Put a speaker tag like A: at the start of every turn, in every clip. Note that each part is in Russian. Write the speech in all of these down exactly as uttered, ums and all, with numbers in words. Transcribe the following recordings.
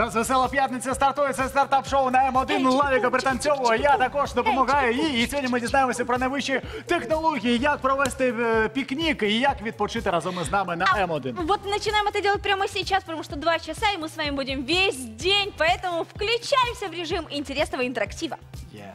A: нас весела п'ятниця стартує. Це стартап-шоу на М один. Лавіка пританцьовує, я також допомагаю їй. І сьогодні ми дізнаємося про найвищі технології, як провести пікнік і як відпочити разом із нами на М один.
B: Вот начинаем это делать прямо сейчас, потому что два часа, и мы с вами будем весь день. Поэтому включаемся в режим интересного интерактива.
A: Yeah.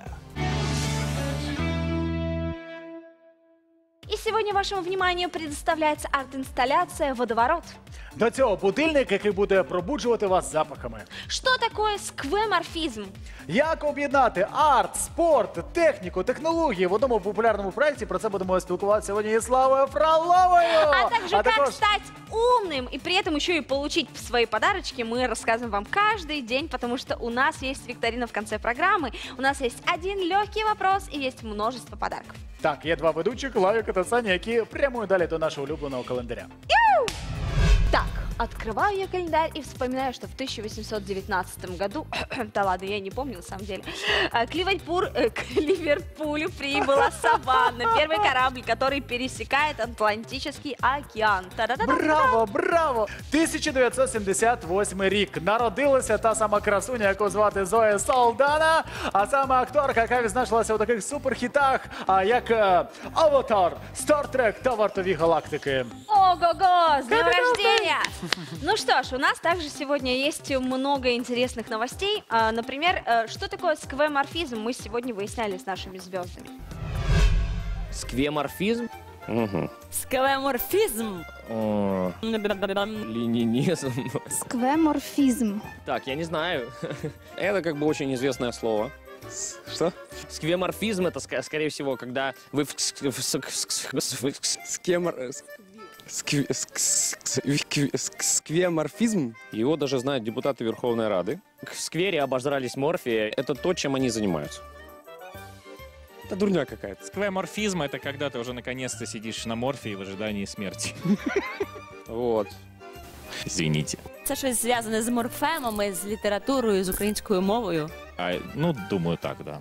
B: И сегодня вашему вниманию предоставляется арт-инсталляция «Водоворот».
A: До цього будильник, який буде пробуджувати вас запахами.
B: Что такое сквеморфизм?
A: Як об'єднати арт, спорт, техніку, технології в одному популярному проєкті? Про це будемо спілкуватися сьогодні із Славою Фроловою.
B: А также
A: а
B: как
A: також...
B: стать умным и при этом еще и получить свои подарочки мы рассказываем вам каждый день, потому что у нас есть викторина в конце программы. У нас есть один легкий вопрос и есть множество подарков.
A: Так, є два ведучих, Лавіка та Саня, які прямують далі до нашого улюбленого календаря.
B: Так, открываю я календарь и вспоминаю, что в тысяча восемьсот девятнадцатом году, да ладно, я не помню на самом деле, к Ливерпулю, э, к Ливерпулю прибыла Саванна, первый корабль, который пересекает Атлантический океан. Та-да-да-да-да.
A: Браво, браво! тисяча дев'ятсот сімдесят восьмий рік. Народилася та сама красуня, яку звати Зоя Салдана, а саме акторка, яка відзначилася у таких суперхітах, як «Аватар», «Стартрек» та «Вартові галактики».
B: Ого-го, с днем рождения! Ну что ж, у нас также сегодня есть много интересных новостей. А, например, что такое сквеморфизм, мы сегодня выясняли с нашими звездами.
C: Сквеморфизм? Угу.
D: Сквеморфизм.
C: О, ленинизм.
D: Сквеморфизм.
C: Так, я не знаю. Это как бы очень известное слово. Что? Сквеморфизм — это, ск- скорее всего, когда вы в...
E: Скемор... скве- ск- ск- Сквеморфизм?
C: Его даже знают депутаты Верховной Рады. В сквере обожрались морфия. Это то, чем они занимаются.
E: Это дурня какая-то.
F: Сквеморфизм — это когда ты уже наконец-то сидишь на морфии в ожидании смерти.
C: Вот.
F: Извините.
D: Це щось зв'язане з морфемами, з літературою, з українською мовою.
F: А, ну, думаю, так, да.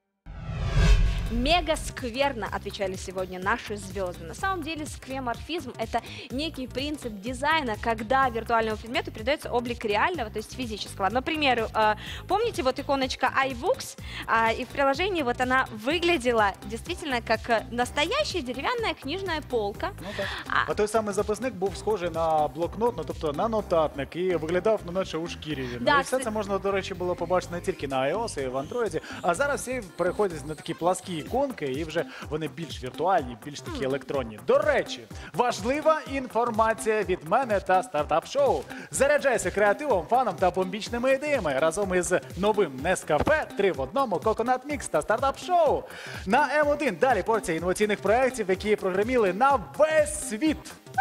B: Мега скверно, отвечали сегодня наши звезды. На самом деле сквеморфизм — это некий принцип дизайна, когда виртуальному предмету придается облик реального, то есть физического. Например, помните вот иконочка iBooks, и в приложении вот она выглядела действительно как настоящая деревянная книжная полка.
A: Ну так. А той самий записник був схожий на блокнот, ну тобто на нотатник, і виглядав, ну, наче у шкірі.
B: Да,
A: ну, і все
B: це...
A: це можна, до речі, було побачити не тільки на iOS і в Android, а зараз всі переходять на такі пласкі іконки, і вже вони більш віртуальні, більш такі електронні. До речі, важлива інформація від мене та стартап-шоу. Заряджайся креативом, фаном та бомбічними ідеями разом із новим Нескафе три в одному, Coconut Mix та стартап-шоу. На М один далі порція інноваційних проєктів, які прогреміли на весь світ.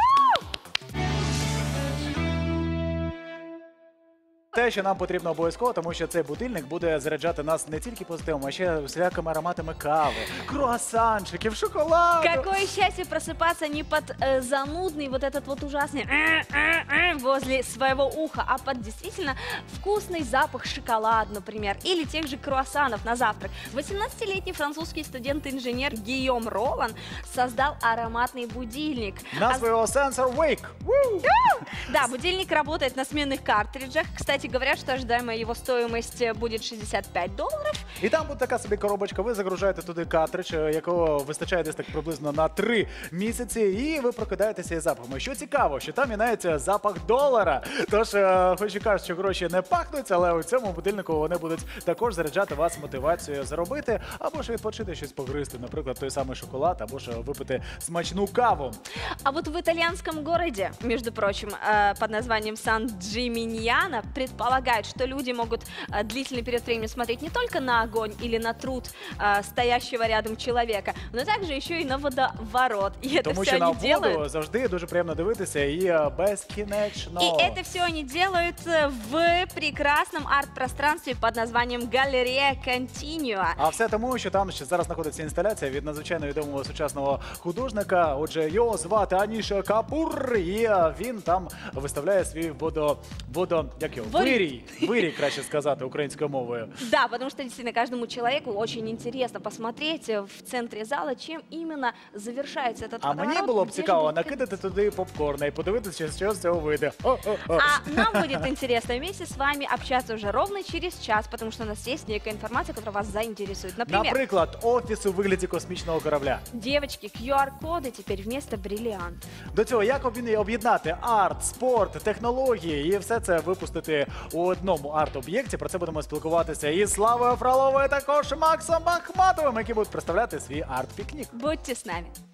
A: Те, що нам потрібно обов'язково, тому що цей будильник буде заряджати нас не тільки позитивом, а ще всілякими ароматами кави, круасанчиків, шоколаду.
B: Какое счастье просыпаться не под э, занудный вот этот вот ужасный э, э, э, возле своего уха, а под действительно вкусный запах шоколада, например, или тех же круассанов на завтрак. восемнадцатилетний французский студент-инженер Гийом Ролан создал ароматный будильник.
A: Назва его Sensor Wake.
B: Да, будильник работает на сменных картриджах. Кстати, говорят, що ожидаема його стоїмость буде шістдесят п'ять доларів.
A: І там буде така собі коробочка, ви загружаєте туди картридж, якого вистачає десь так приблизно на три місяці, і ви прокидаєтеся із запахами. Що цікаво, що там міняється запах долара. Тож, хоч і кажуть, що гроші не пахнуть, але у цьому будильнику вони будуть також заряджати вас мотивацією заробити, або ж відпочити щось погризти, наприклад, той самий шоколад, або ж випити смачну каву.
B: А вот в итальянском городе, между прочим, под названием Сан-Джиминьяно, предполагают, что люди могут а, длительный период времени смотреть не только на огонь или на труд а, стоящего рядом человека, но также еще и на водоворот. И это
A: Тому
B: все
A: що на
B: они
A: воду
B: делают.
A: завжди дуже приємно дивитися і безкінечно.
B: И это все они делают в прекрасном арт-пространстве под названием Галерея Континуа.
A: А все тому, що там ще зараз знаходиться інсталяція від надзвичайно відомого сучасного художника. Отже, його звати Аніша Капур, і він там виставляє свій водо... водо... як його?
B: Водопад.
A: Вирій, вирій, краще сказати українською мовою.
B: Да, потому что действительно каждому человеку очень интересно посмотреть э, в центре зала, чем именно завершается этот
A: А
B: водоворот.
A: мені було б
B: где же
A: цікаво
B: будет
A: накидати туди попкорна і подивитися, що з цього вийде. О-о-о.
B: А нам будет интересно вместе с вами общаться уже ровно через час, потому что у нас есть некая информация, которая вас заинтересует. Например,
A: Наприклад, офіс у вигляді космічного корабля.
B: девочки, ку ар-коды теперь вместо бриллиант.
A: До цього, як об'єднати- об'єднати арт, спорт, технології і все це випустити у одному арт-об'єкті. Про це будемо спілкуватися із Славою Фроловою, також Максом Ахматовим, які будуть представляти свій арт-пікнік.
B: Будьте с нами.